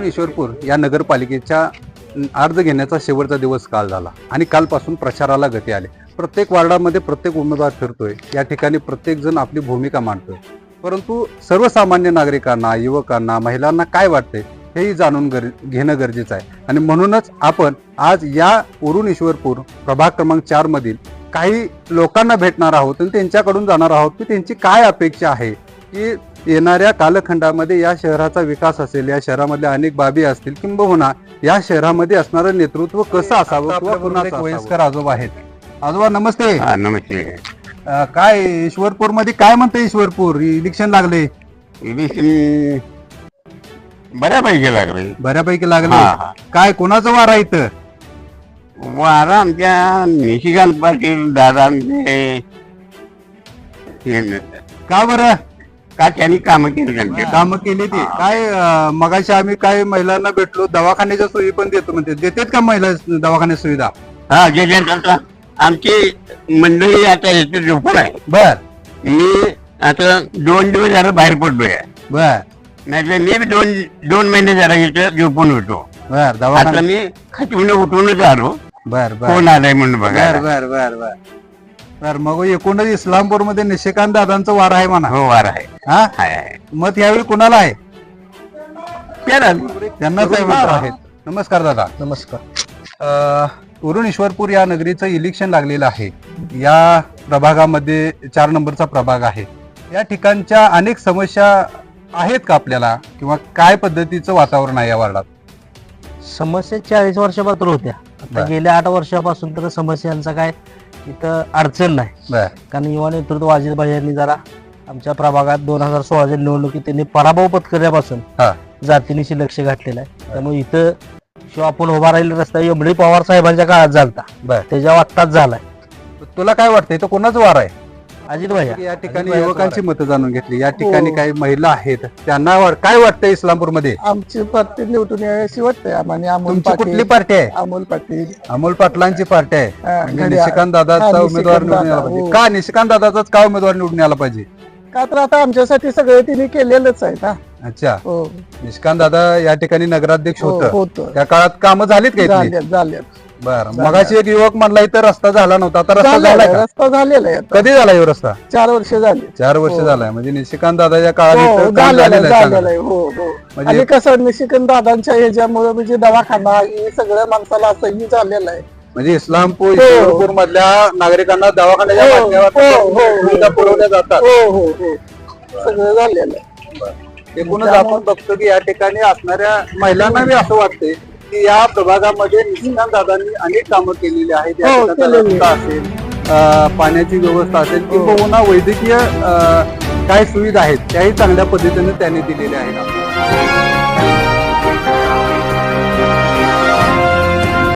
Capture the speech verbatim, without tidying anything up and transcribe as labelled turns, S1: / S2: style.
S1: ईश्वरपूर या नगरपालिकेच्या अर्ज घेण्याचा शेवटचा दिवस काल झाला आणि कालपासून प्रचाराला गती आली। प्रत्येक वार्डामध्ये प्रत्येक उमेदवार फिरतोय, या ठिकाणी प्रत्येक जण आपली भूमिका मांडतोय, परंतु सर्वसामान्य नागरिकांना, युवकांना, महिलांना काय वाटते हेही जाणून गर घेणं गरजेचं आहे। आणि म्हणूनच आपण आज या उरुण ईश्वरपूर प्रभाग क्रमांक चार मधील काही लोकांना भेटणार आहोत आणि त्यांच्याकडून जाणार आहोत की त्यांची काय अपेक्षा आहे की येणाऱ्या कालखंडामध्ये या शहराचा विकास असेल, या शहरामधल्या अनेक बाबी असतील, किंबहुना या शहरामध्ये असणारं नेतृत्व कसं असावं किंवा कुणाला वयस्कर आजोबा आहेत। आजोबा नमस्ते।
S2: नमस्ते।
S1: अं, काय ईश्वरपूर मध्ये काय म्हणते? ईश्वरपूर इलेक्शन लागले,
S2: इलेक्शन बऱ्यापैकी लागले
S1: बऱ्यापैकी लागले।
S2: हा, हा.
S1: काय कोणाचं वार आहे इथं?
S2: वारा आमच्या निशिकांत पाटील दादांचे
S1: का बरं?
S2: का त्यांनी कामं केली त्यांचे
S1: काम केली ती काय? अं, मगाशी आम्ही काय महिलांना भेटलो, दवाखान्याच्या सोयी पण देतो म्हणते, देतात का महिला दवाखान्यात सुविधा?
S2: हा जे आमची मंडळी आता याचे झोपड आहे।
S1: बर
S2: मी आता दोन दिवस जरा बाहेर पडलोय,
S1: बर
S2: नाही मी बी दोन दोन महिने जरा इथं झोपून होतो।
S1: बर
S2: आता
S1: दवाखाना
S2: मी खचून उठूनच आलो,
S1: बर बर
S2: कोण आलाय म्हणून बघा।
S1: बर बर बर बर बर मग एकूणच इस्लामपूर मध्ये निशिकांत दादांचं वार आहे म्हणा।
S2: हो वार आहे।
S1: हा
S2: हाय आहे
S1: मत यावेळी कुणाला आहे?
S2: त्याला
S1: त्यांनाच आहे म्हणत आहेत। नमस्कार दादा।
S3: नमस्कार।
S1: उरुण ईश्वरपूर या नगरीचं इलेक्शन लागलेलं आहे। या प्रभागामध्ये चार नंबरचा प्रभाग आहे। या ठिकाणच्या अनेक समस्या आहेत का आपल्याला, किंवा काय पद्धतीचं वातावरण आहे या वार्डात?
S3: समस्या चाळीस वर्षापासून होत्या, आता
S1: बर.
S3: गेल्या आठ वर्षापासून तर समस्यांचा काय इथं अडचण नाही।
S1: बर
S3: कारण युवा नेतृत्व अजित भाई यांनी जरा आमच्या प्रभागात दोन हजार सोळाच्या निवडणुकीत त्यांनी पराभव पत्करल्यापासून
S1: हा
S3: जातीनिशी लक्ष घातलेलं आहे। त्यामुळे इथं शिव आपण उभा राहिलेला रस्ता एमडी पवार साहेबांच्या काळात झालता,
S1: बर
S3: त्याच्या आत्ताच झालाय।
S1: तुला काय वाटतंय तो कोणाचं वार आहे?
S3: अजित भाई
S1: या ठिकाणी युवकांची मतं जाणून घेतली, या
S3: हो.
S1: ठिकाणी काही महिला आहेत, त्यांना वा- काय वाटतंय इस्लामपूर मध्ये?
S4: आमची पार्टी निवडून यायची वाटते आम्हाला। अमोल
S1: तुमची कुठली
S4: पाटील
S1: पार्टी आहे?
S4: अमोल पाटील
S1: अमोल पाटलांची पार्टी आहे।
S4: हा,
S1: म्हणजे
S4: घड्याळ.
S1: निशिकांत दादाचा
S4: हा,
S1: उमेदवार
S4: निशिकांत
S1: निवडून यायला
S4: दादा,
S1: पाहिजे
S4: हो.
S1: का? निशिकांत दादाचाच का उमेदवार निवडून यायला पाहिजे?
S4: का तर आता आमच्यासाठी सगळे तिने केलेलंच आहे ना।
S1: अच्छा,
S4: हो
S1: निशिकांत दादा या ठिकाणी नगराध्यक्ष
S4: हो,
S1: होतं,
S4: होतं
S1: त्या काळात कामं झालीत का इथली?
S4: झाल्यात झाल्यात
S1: बरं, मगाशी एक युवक म्हणला इथं रस्ता झाला नव्हता, आता रस्ता
S4: झालेला
S1: झालाय
S4: आहे,
S1: का?
S4: रस्ता झालेला आहे आता.
S1: कधी झाला यो रस्ता?
S4: चार वर्ष झाली।
S1: चार वर्ष
S4: हो.
S1: झालाय, म्हणजे निशिकांत दादाच्या काळात
S4: हो,
S1: इथं काम
S4: झालेलं आहे,
S1: झालेलं आहे
S4: झालेलं
S1: चांगलं.
S4: आहे। हो हो
S1: म्हणजे-
S4: आणि कसं निशिकांत दादांच्या ह्याच्यामुळे म्हणजे दवाखाना हे सगळं माणसाला असंही झालेलं आहे।
S1: म्हणजे इस्लामपूर
S4: हो.
S1: ईश्वरपूर मधल्या नागरिकांना दवाखान्याच्या
S4: हो,
S1: माध्यमातून
S4: हो, हो, हो.
S1: सुविधा पुरवल्या जातात।
S4: हो हो हो सगळं झालेलं आहे।
S1: एकूणच आपण बघतो की या ठिकाणी असणाऱ्या महिलांना बी असं वाटते की या प्रभागामध्ये निशिकांत दादांनी अनेक कामं केलेली आहेत। या
S4: हो,
S1: ठिकाणी
S4: केलेली
S1: रस्ता असेल, अं, पाण्याची व्यवस्था असेल,
S4: हो.
S1: किंवा वैद्यकीय अं, काय सुविधा आहेत त्याही चांगल्या पद्धतीने त्यांनी दिलेल्या आहेत।